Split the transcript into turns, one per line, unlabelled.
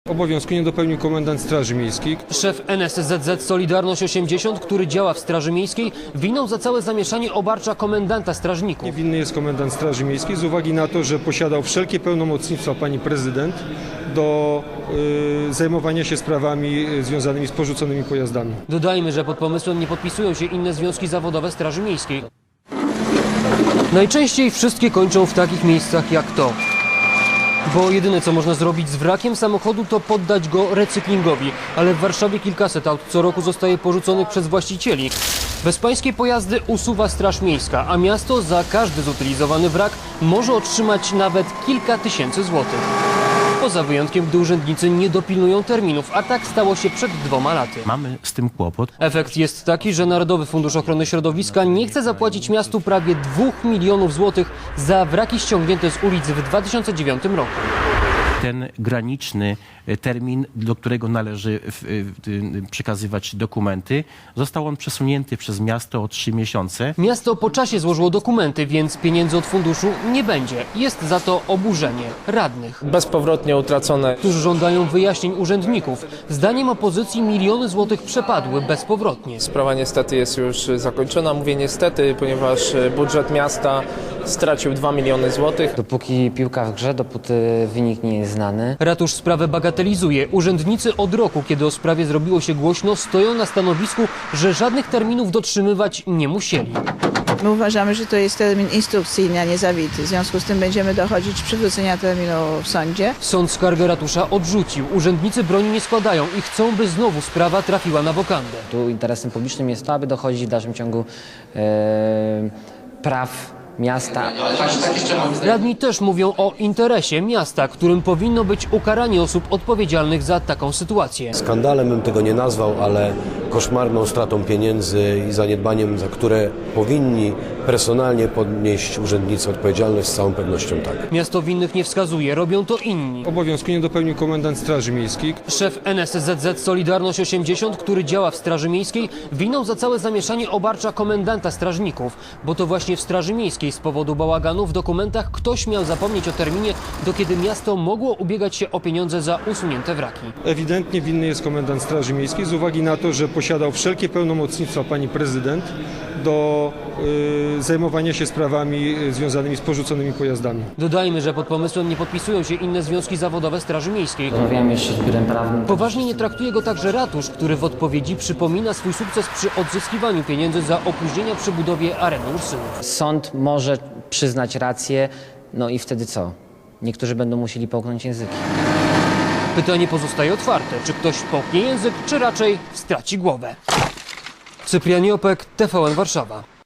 Obowiązku nie dopełnił komendant Straży Miejskiej.
Szef NSZZ Solidarność 80, który działa w Straży Miejskiej, winą za całe zamieszanie obarcza komendanta strażników.
Winny jest komendant Straży Miejskiej z uwagi na to, że posiadał wszelkie pełnomocnictwa pani prezydent do zajmowania się sprawami związanymi z porzuconymi pojazdami.
Dodajmy, że pod pomysłem nie podpisują się inne związki zawodowe Straży Miejskiej. Najczęściej wszystkie kończą w takich miejscach jak to. Bo jedyne co można zrobić z wrakiem samochodu to poddać go recyklingowi. Ale w Warszawie kilkaset aut co roku zostaje porzuconych przez właścicieli. Bezpańskie pojazdy usuwa Straż Miejska, a miasto za każdy zutylizowany wrak może otrzymać nawet kilka tysięcy złotych. Poza wyjątkiem, gdy urzędnicy nie dopilnują terminów, a tak stało się przed 2 laty.
Mamy z tym kłopot.
Efekt jest taki, że Narodowy Fundusz Ochrony Środowiska nie chce zapłacić miastu prawie 2 milionów złotych za wraki ściągnięte z ulic w 2009 roku.
Ten graniczny termin, do którego należy przekazywać dokumenty, został on przesunięty przez miasto o 3 miesiące.
Miasto po czasie złożyło dokumenty, więc pieniędzy od funduszu nie będzie. Jest za to oburzenie radnych,
Bezpowrotnie utracone.
którzy żądają wyjaśnień urzędników. Zdaniem opozycji miliony złotych przepadły bezpowrotnie.
Sprawa niestety jest już zakończona. Mówię niestety, ponieważ budżet miasta stracił 2 miliony złotych.
Dopóki piłka w grze, dopóty wynik nie jest znany.
Ratusz sprawę bagatelizuje. Urzędnicy od roku, kiedy o sprawie zrobiło się głośno, stoją na stanowisku, że żadnych terminów dotrzymywać nie musieli.
My uważamy, że to jest termin instrukcyjny, a nie zawity. W związku z tym będziemy dochodzić przywrócenia terminu w sądzie.
Sąd skargę ratusza odrzucił. Urzędnicy broni nie składają i chcą, by znowu sprawa trafiła na wokandę.
Tu interesem publicznym jest to, aby dochodzić w dalszym ciągu praw miasta.
Radni też mówią o interesie miasta, którym powinno być ukaranie osób odpowiedzialnych za taką sytuację.
Skandalem bym tego nie nazwał, ale koszmarną stratą pieniędzy i zaniedbaniem, za które powinni personalnie podnieść urzędnicy odpowiedzialność, z całą pewnością tak.
Miasto winnych nie wskazuje, robią to inni.
Obowiązku nie dopełnił komendant Straży Miejskiej.
Szef NSZZ Solidarność 80, który działa w Straży Miejskiej, winą za całe zamieszanie obarcza komendanta strażników, bo to właśnie w Straży Miejskiej z powodu bałaganu w dokumentach ktoś miał zapomnieć o terminie, do kiedy miasto mogło ubiegać się o pieniądze za usunięte wraki.
Ewidentnie winny jest komendant Straży Miejskiej z uwagi na to, że posiadał wszelkie pełnomocnictwa pani prezydent do zajmowania się sprawami związanymi z porzuconymi pojazdami.
Dodajmy, że pod pomysłem nie podpisują się inne związki zawodowe Straży Miejskiej.
Rozmawiamy jeszcze z biurem prawnym.
Poważnie nie traktuje go także ratusz, który w odpowiedzi przypomina swój sukces przy odzyskiwaniu pieniędzy za opóźnienia przy budowie areny Ursynów.
Sąd może przyznać rację, no i wtedy co? Niektórzy będą musieli połknąć języki.
Pytanie pozostaje otwarte, czy ktoś połknie język, czy raczej straci głowę. Cyprian Jopek, TVN Warszawa.